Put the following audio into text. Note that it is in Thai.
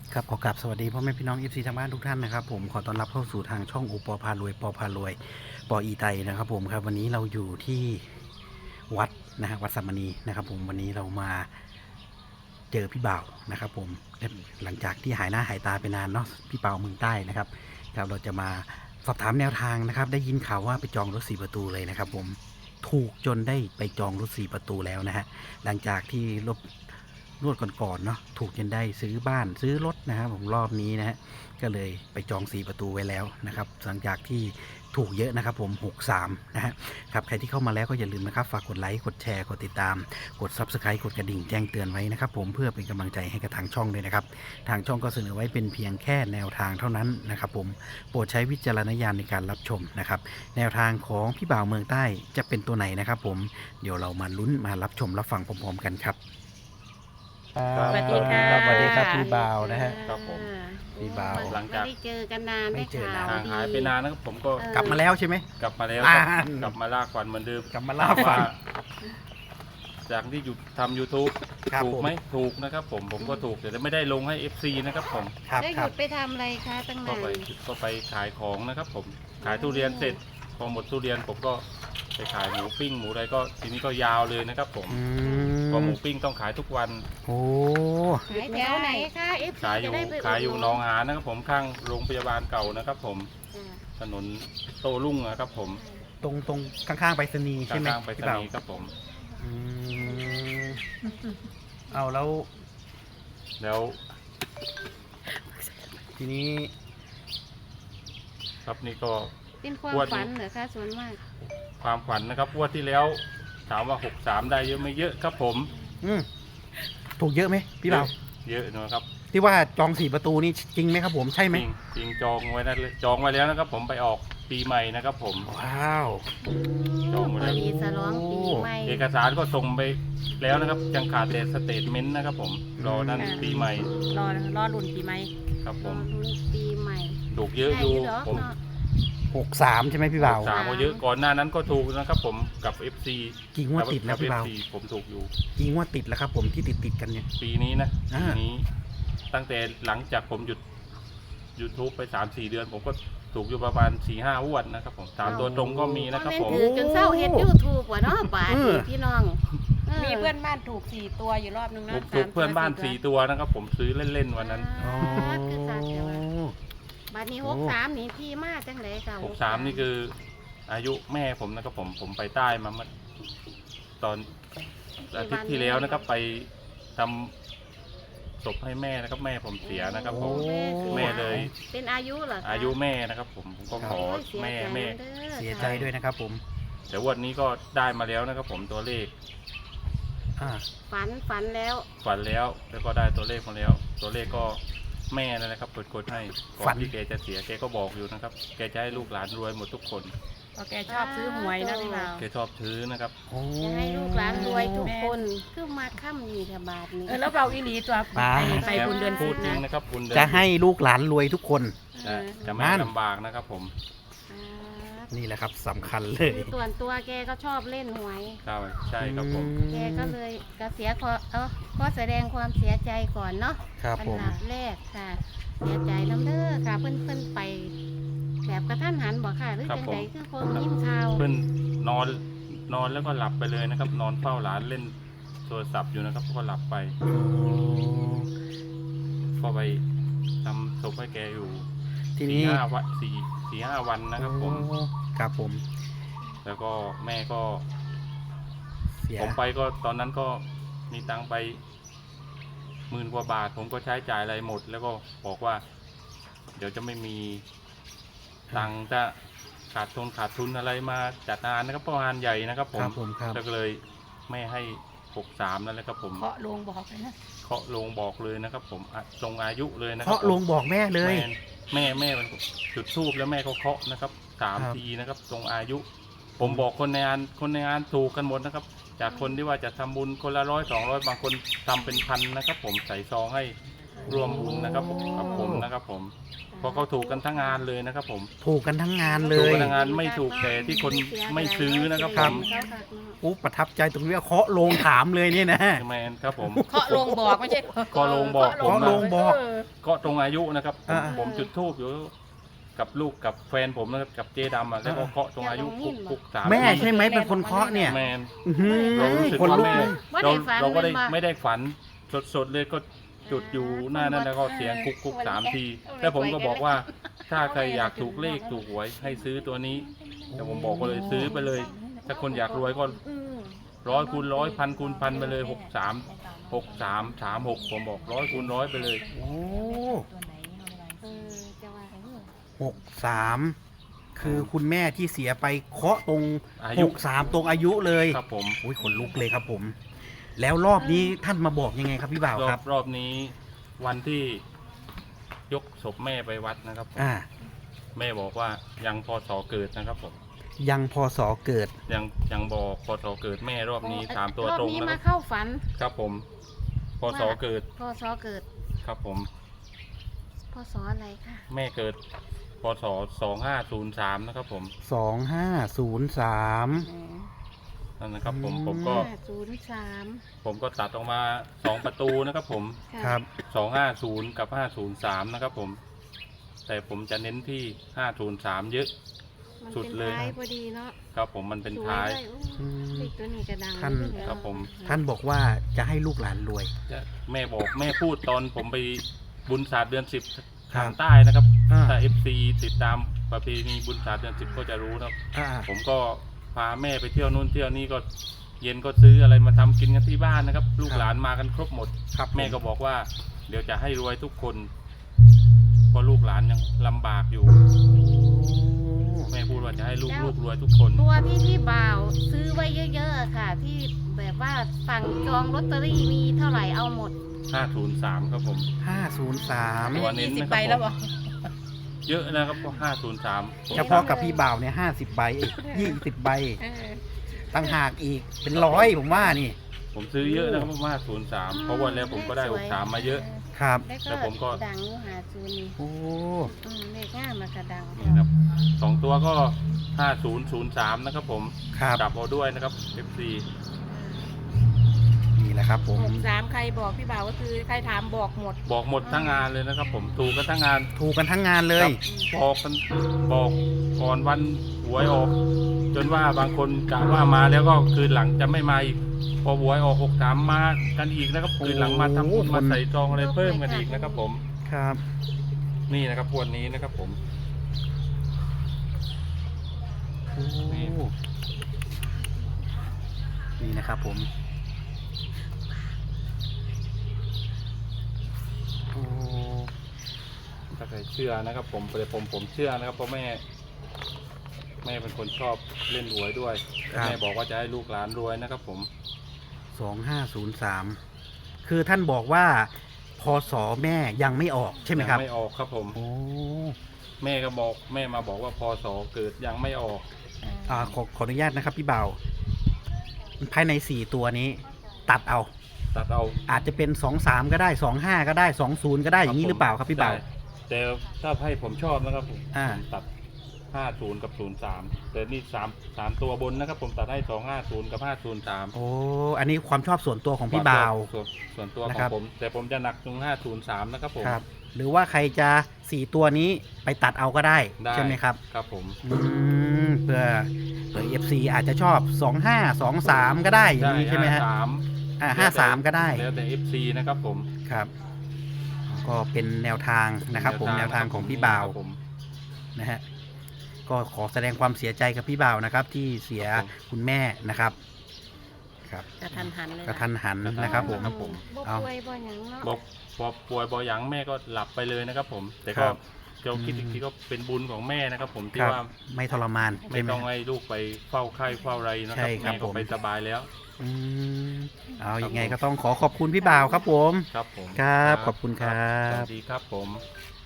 ครับขอกราบสวัสดีพ่อแม่พี่น้อง FC ทางบ้านทุกท่านนะครับผมขอต้อนรับเข้าสู่ทางช่องโอปอพารวยปอพารวยปออีไตนะครับผมครับวันนี้เราอยู่ที่วัดนะฮะวัดสัมมณีนะครับผมวันนี้เรามาเจอพี่บ่าวนะครับผมหลังจากที่หายหน้าหายตาไปนานเนาะพี่บ่าวเมืองใต้นะครับครับเราจะมาสอบถามแนวทางนะครับได้ยินข่าวว่าไปจองรถ4ประตูเลยนะครับผมถูกจนได้ไปจองรถ4ประตูแล้วนะฮะหลังจากที่รวดก่อนๆเนาะถูกจนได้ซื้อบ้านซื้อรถนะครับผมรอบนี้นะฮะก็เลยไปจอง4ประตูไว้แล้วนะครับหลังจากที่ถูกเยอะนะครับผม63นะฮะครับใครที่เข้ามาแล้วก็อย่าลืมนะครับฝากกดไลค์กดแชร์กดติดตามกด Subscribe กดกระดิ่งแจ้งเตือนไว้นะครับผมเพื่อเป็นกำลังใจให้กับทางช่องด้วยนะครับทางช่องก็เสนอไว้เป็นเพียงแค่แนวทางเท่านั้นนะครับผมโปรดใช้วิจารณญาณในการรับชมนะครับแนวทางของพี่บ่าวเมืองใต้จะเป็นตัวไหนนะครับผมเดี๋ยวเรามาลุ้นมารับชมรับฟังพร้อมๆกันครับสวัสดีค่ะสวัสดีครับพี่บ่าวนะฮะครับผมพี่บ่าวหลังจากไม่ได้เจอกันนานไม่เจอได้นานข่าวห่างหายไปนานนะครับผมก็เออกลับมาแล้วใช่ไหมกลับมาแล้วอ่ากลับมาลากฟันเหมือนเดิมกลับมาล่าฝันจากที่หยุดทำ YouTube ครับถูกผมไหมถูกนะครับผมก็ถูกแต่ไม่ได้ลงให้ FC นะครับผมครับได้หครัยุบดไปทำอะไรคะตั้งก็นานไปขายของนะครับผมขายทุเรียนเสร็จพอหมดทุเรียนผมก็ไปขายหมูปิ้งหมูอะไรก็ทีนี้ก็ยาวเลยนะครับผมอืเพอหมมูปิ้งต้องขายทุกวันโอ้ขายแถวไหนคะเอฟขายอยู่จะได้ไปขายอยู่ดหหนองหานนะครับผมข้างโรงพยาบาลเก่านะครับผมจ้ะถนนโต้รุ่งนะครับผมตรงข้างๆไปรษณีย์ใช่ไหมข้างๆไปรษพี่บ่าวณีย์ครับผมอืมเอาแล้วแล้วทีนี้ครับนี่ก็เป็นความงวดนี้ฝันเหรอคะส่วนมากความขวัญนะครับงวดที่แล้วถามว่า63ได้เยอะไม่เยอะครับผมอืมถูกเยอะไหมพี่บ่าวเยอะนะครับที่ว่าจอง4ประตูนี่จริงไหมครับผมใช่ไหมจริงจองไว้นะจองไว้แล้วนะครับผมไปออกปีใหม่นะครับผมว้าวจองหมดพแล้อวดีฉลองปีใหม่เอกสารก็ส่งไปแล้วนะครับยังขาดแต่สเตทเมนต์นะครับผมรอนั่นปีใหม่รอรุ่นปีใหม่ครับผรอมลุ้นปีใหม่ถูกเยอะได้อยู่เหรอผมเนาะ 63ใช่ไหมพี่บ่าวสามก็เยอะก่อนหน้านั้นก็ถูกนะครับผมกับ FC กี่งวดติดแล้วพี่บ่าว FC ผมถูกอยู่กี่งวดติดแล้วครับผมที่ติดกันเนี่ยปีนี้นะอ่าปีนี้ตั้งแต่หลังจากผมหยุด YouTube ไป 3-4 เดือน ผมก็ถูกอยู่ประมาณ 4-5งวดนะครับผมตามตัวตรงก็มีนะครับผมถือจนเศร้าเฮ็ดยูทูบว่ะเนาะบาทนี่พี่น้องมีเพื่อนบ้านถูก4ตัวอยู่รอบนึงผนะมถูกเพื่อนบ้าน 3 4 ตัวนะครับผมซื้อเล่นๆวันนั้นอ๋อคือขาดแต่ว่าบาทนี้63นี่พี่มาจังไดค่ะ 63นี่คืออายุแม่ผมนะครับผมไปใต้มาเมื่อตอนอาทิตย์ที่แล้วนะครับไปทำศพให้แม่นะครับแม่ผมเสียนะครับผมโอ้แม่เลยเป็นอายุเหรอคะอายุแม่นะครับผมก็ขอโยเสียแม่ใจแม่ด้อเสียใจด้วยนะครับผมแต่วันนี้ก็ได้มาแล้วนะครับผมตัวเลขอ่าฝันแล้วฝันแล้วแล้วก็ได้ตัวเลขมาแล้ว ตัวเลขก็แม่นั่นแหละครับกดให้ก่อนที่แกจะเสียแกก็บอกอยู่นะครับแกจะให้ลูกหลานรวยหมดทุกคนเพราะแกชอบซื้อหวยนะพี่บ่าวแกชอบถือนะครับโอ้จะให้ลูกหลานรวยทุกคนคือมาค่ำนี่ค่ะบาทนี้แล้วเบาอีหลีตัวไปบุญเดือนพูพุดธจริงนะนะครับคุณเดินจะให้ลูกหลานรวยทุกคนจะไม่นั่นลำบากนะครับผมนี่แหละครับสำคัญเลคืยอตัวแกก็ชอบเล่นหวยใช่ครับผมแกก็เลยก็เสียก็แสดงความเสียใจก่อนเนาะครับอันผมดับแรกค่ะ เสียใจน้ำเด้อค่ะเพิ่นไป แบบกระทันหันบอกค่ะหรือจังไดคือคนยิ้มข่าวเพื่อนนอนแล้วก็หลับไปเลยนะครับ นอนเฝ้าหลานเล่นโทรศัพท์อยู่นะครับก็หลับไปโอ้ก็ไปทำศพให้แกอยู่ทีนี้ 4-5 วันนะครับผมโอ้ครับผมแล้วก็แม่ก็เสียผมไปก็ตอนนั้นก็มีตังค์ไป10,000 กว่าบาท ผมก็ใช้จ่ายอะไรหมด แล้วก็บอกว่า เดี๋ยวจะไม่มีตังค์จะขาดทุนอะไรมาจัดงานนะครับเพราะงานใหญ่นะครับผคมรับผมครับแล้วก็เลยแม่ให้63นั่นแหละครับผมเคาะลงบอกเลยนะเคาะลงบอกเลยนะครับ ผมลงอายุเลยนะครัเคาะลงบอกแม่เลยแม่มันจุดทูบแล้วแม่ก็เคาะนะครับครับทีนะครับตรงอายุ ผมบอกคนในงานถูกกันหมดนะครับ จากคนที่ว่าจะทำบุญคนละ100-200บางคนทำเป็นพันนะครับ ผมใส่ซองให้ร่วมบุญนะครับกับผมนะครับผมเพราะเขาถูกกันทั้งงานเลยนะครับผมถูกกันทั้งงานเลถูกยกันทั้งงานไม่ถูกแต่ที่คนไม่ซื้อนะครับผมอุ๊ประทับใจตรงนี้ว่าเคาะโลงถามเลยเนี่ยนะแมนครับผมเคาะลงบอกไม่ใช่เคาะโลงบอกผมเคาะโลงบอกก็ตรงอายุนะครับผมอ่าผมจุดธูปอยู่กับลูกกับแฟนผมนะครับกับเจดำแล้วก็เคาะตรงอายุคุก3 แม่ใช่ไหมเป็นคนเคาะเนี่ยแมนอื้อหือเรารู้สึกคนว่าลุกแม่เลยเราก็ไม่ได้ฝันสดๆเลยก็จุดอยู่หน้านั้นแล้วก็เสียงคุก3 ทีแล้วผมก็บอกว่าถ้าใครอยากถูกเลขถูกหวยให้ซื้อตัวนี้แต่ผมบอกก็เลยซื้อไปเลย ถ้าคนอยากรวยก็100 คูณ 100 พันคูณพันไปเลย63 ผมบอก100 คูณ 100ไปเลยโอ้จะว่า 63 คือคุณแม่ที่เสียไปเคาะตรงอายุ 63 ตรงอายุเลยครับผมอุ้ยขนลุกเลยครับผม แล้วรอบนี้ท่านมาบอกยังไงครับพี่บ่าวครับรอบนี้วันที่ยกศพแม่ไปวัดนะครับผม แม่บอกว่ายังพศเกิดนะครับผมยังพศเกิดยังบอกพศเกิดแม่รอบนี้3 ตัวตรงนี้นะคมารับเข้าฝันครับผมพศเกิดพศเกิดครับผมพศอะไรค่ะแม่เกิดพศ2503นะครับผม 2503 นั่นนะครับผมอืม 503 ผมก็ตัดออกมา2 ประตูนะครับผมะครับ 250 กับ 503นะครับผมแต่ผมจะเน้นที่503เยอะมันสุดเลยป็นท้ายพอดีเนาะครับผมมันเป็นท้ายสวเลโอ้เลขตัวนี้กระดังท่านครับผมท่านบอกว่าจะให้ลูกหลานรวยแม่บอกแม่พูดตอนผมไปบุญศาสตร์เดือน 10 ครัทาบงใต้นะครับอ่าถ้า FC ติดตามประเพณีบุญศาสตร์เดือน 10 ก็จะรู้นะครับอ่าผมก็พาแม่ไปเที่ยวนู่นเที่ยวนี่ก็เย็นก็ซื้ออะไรมาทำกินกันที่บ้านนะครับ ลูกหลานมากันครบหมดครับแม่ก็บอกว่าเดี๋ยวจะให้รวยทุกคนเพราะลูกหลานยังลำบากอยู่ แม่พูดว่าจะให้ลูกรวยทุกคนตัวที่พี่บ่าวซื้อไว้เยอะๆค่ะ ที่แบบว่าสั่งจองลอตเตอรี่มีเท่าไหร่เอาหมด 503ครับผม 503 ตัวเน้น 20 นะครับใบแล้วบอกเยอะนะครับเพราะ503 เฉพาะกับพี่บ่าวเนี่ย50 ใบ20 ใบเออตั้งหากอีกเป็น100ผมว่านี่ผมซื้อเยอะนะครับเพราะว่า503เพราะวันแล้วผมก็ได้63มาเยอะครับแล้วแล้วผมก็ดังอยู่หาซูนี่โอ้เลขง่ายมากระดังนี่ครับ2 ตัวก็5003นะครับผมครับกลับเอาด้วยนะครับ FC นี่แหละครับผม 63ใครบอกพี่บ่าวก็คือใครถามบอกหมดบอกหมดทั้งงานเลยนะครับผมถูกกันทั้งงานถูกกันทั้งงานเลยบอกกันบอกก่อนวันหวยออก จนว่าบางคนกะว่ามาแล้วก็คืนหลังจะไม่มาอีกพอหวยออก63มากันอีกนะครับคืนหลังมาทำบุญมาใส่ซองอะไรเพิ่มกันอีกนะครับผมครับนี่นะครับวันนี้นะครับผมโอ้นี่นะครับผมโอ้ถ้าใครเชื่อนะครับผมแต่ผมเชื่อนะครับเพราะแม่เป็นคนชอบเล่นหวยด้วยแต่แม่บอกว่าจะให้ลูกหลานรวยนะครับผม 2503 คือท่านบอกว่าพศแม่ยังไม่ออกใช่ไหมครับยังไม่ออกครับผมโอ้แม่ก็บอกแม่มาบอกว่าพศเกิดยังไม่ออกขออนุญาตนะครับพี่เบาภายใน4ตัวนี้ ตัดเอาตัดเอาอาจจะเป็น23ก็ได้25ก็ได้20ก็ได้อย่างนี้หรือเปล่าครับพี่เบาใช่แต่ถ้าให้ผมชอบนะครับผมอ่าผมตัด50กับ03แต่นี่3ตัวบนนะครับผมตัดให้250กับ503 โอ้อันนี้ความชอบส่วนตัวของพี่เบาส่วนตัวขนะอครังบผมแต่ผมจะหนักตรง503นะครับผมครับ หรือว่าใครจะ4ตัวนี้ไปตัดเอาก็ได้ได้ใช่ไหมครับครับผมเพื่อFC อาจจะชอบ25 23ก็ได้อย่างนี้ใช่ไหมฮะ 53ก็ได้แล้วแต่ FC นะครับผมครับ ก็เป็นแนวทางนะครับผมแนวทางของพี่บ่าวครับผมนะฮะก็ขอแสดงความเสียใจกับพี่บ่าวนะครับ ที่เสียครับผมคุณแม่นะครับครับกระทันหันเลยกระทันหันนะครับผมครับผมบ่เอาป่วยบ่หยังเนาะบอกพอป่วยบอหยังแม่ก็หลับไปเลยนะครับผม แต่ครัก็บเราคิดอีกทีก็เป็นบุญของแม่นะครับผมที่ครับว่าไม่ทรมานไม่ใช่ไหมต้องให้ลูกไปเฝ้าไข้เฝ้าอะไรนะคใช่รับครับแม่ก็ผมไปสบายแล้วอืมเอายังไงก็ต้องขอขอบคุณพี่บ่าวครับผมครับผมครับขอบคุณครับสวัสดีครับผม